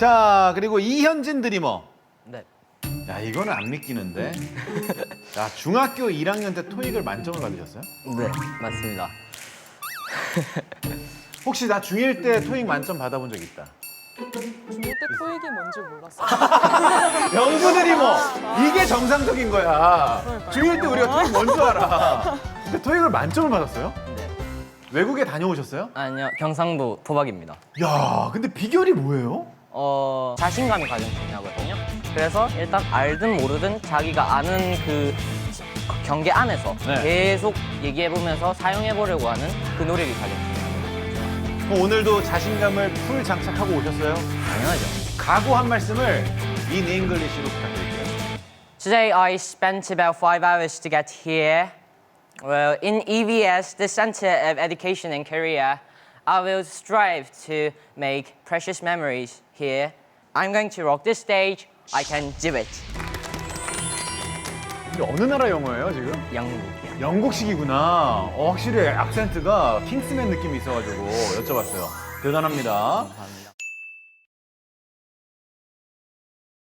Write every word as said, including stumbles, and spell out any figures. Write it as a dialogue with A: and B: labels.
A: 자, 그리고 이현진 드리머.
B: 네.
A: 야, 이거는 안 믿기는데. 야, 중학교 일 학년 때 토익을 만점을 받으셨어요?
B: 네, 맞습니다.
A: 혹시 나 중일 때 토익 만점 받아본 적 있다?
C: 중일 때 토익이 뭔지 몰랐어요.
A: 영구 드리머! 이게 정상적인 거야. 중일 때 우리가 토익 뭔 줄 알아. 근데 토익을 만점을 받았어요?
B: 네.
A: 외국에 다녀오셨어요?
B: 아니요, 경상도 토박입니다.
A: 야, 근데 비결이 뭐예요?
B: 어, 자신감이 가장 중요하거든요. 그래서 일단 알든 모르든 자기가 아는 그 경계 안에서
A: 네.
B: 계속 얘기해보면서 사용해보려고 하는 그 노력이 가장 중요합니다.
A: 그럼 오늘도 자신감을 풀 장착하고 오셨어요?
B: 당연하죠.
A: 각오 한 말씀을 in English로 부탁드릴게요.
B: Today I spent about five hours to get here. Well, in E V S, the Center of Education in Korea, I will strive to make precious memories here. I'm going to rock this stage. I can do it.
A: 이게 어느 나라 영어예요, 지금?
B: 영국이요.
A: 영국식이구나. 어, 확실히 악센트가 킹스맨 느낌이 있어가지고 여쭤봤어요. 대단합니다.
B: 감사합니다.